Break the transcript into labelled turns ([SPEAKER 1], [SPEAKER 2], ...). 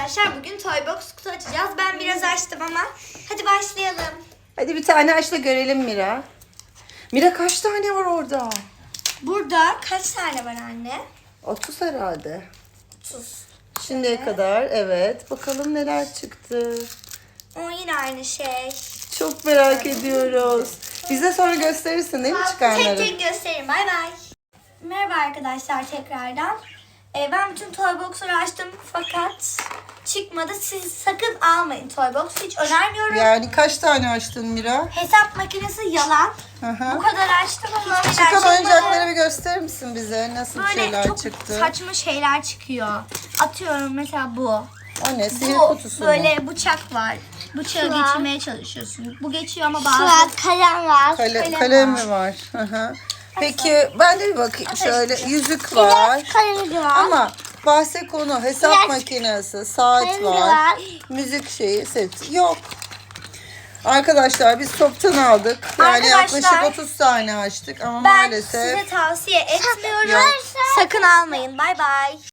[SPEAKER 1] arkadaşlar. Bugün Toybox kutu açacağız. Ben biraz açtım ama hadi başlayalım.
[SPEAKER 2] Hadi bir tane aç da görelim Mira. Mira kaç tane var orada?
[SPEAKER 1] Burada kaç tane var anne?
[SPEAKER 2] 30 herhalde.
[SPEAKER 1] 30.
[SPEAKER 2] Şimdiye kadar evet. Bakalım neler çıktı.
[SPEAKER 1] O yine aynı şey.
[SPEAKER 2] Çok merak ediyoruz. Bize sonra gösterirsin değil mi çıkanları?
[SPEAKER 1] Tek tek göstereyim. Bay bay. Merhaba arkadaşlar tekrardan. Ben bütün Toybox'ları açtım fakat çıkmadı. Siz sakın almayın Toybox. Hiç önermiyorum.
[SPEAKER 2] Yani kaç tane açtın Mira?
[SPEAKER 1] Hesap makinesi yalan.
[SPEAKER 2] Hı hı.
[SPEAKER 1] Bu kadar açtım ama hiçbir şeyler
[SPEAKER 2] Çıkan
[SPEAKER 1] çıkmadı.
[SPEAKER 2] oyuncakları bir gösterir misin bize? Nasıl
[SPEAKER 1] Böyle
[SPEAKER 2] şeyler
[SPEAKER 1] çok
[SPEAKER 2] çıktı?
[SPEAKER 1] saçma şeyler çıkıyor. Atıyorum mesela bu.
[SPEAKER 2] O ne? Sihir
[SPEAKER 1] Bu
[SPEAKER 2] kutusu mu?
[SPEAKER 1] böyle bıçak var. Bıçağı
[SPEAKER 3] Şu an.
[SPEAKER 1] geçirmeye çalışıyorsun. Bu geçiyor ama bazı...
[SPEAKER 3] Suat kalem var.
[SPEAKER 2] Kalem mi var? Hı hı. Peki ben de bir bakayım şöyle. Yüzük var.
[SPEAKER 3] Kalemi var.
[SPEAKER 2] Ama bahse konu hesap
[SPEAKER 3] Biraz-
[SPEAKER 2] makinesi, saat
[SPEAKER 3] Kalemi
[SPEAKER 2] var.
[SPEAKER 3] var.
[SPEAKER 2] Müzik şeyi, seti yok. Arkadaşlar biz toptan aldık. Yani
[SPEAKER 1] Arkadaşlar,
[SPEAKER 2] yaklaşık 30 tane açtık ama
[SPEAKER 1] Ben
[SPEAKER 2] maalesef
[SPEAKER 1] size tavsiye etmiyorum.
[SPEAKER 2] Yok.
[SPEAKER 1] Sakın almayın. Bay bay.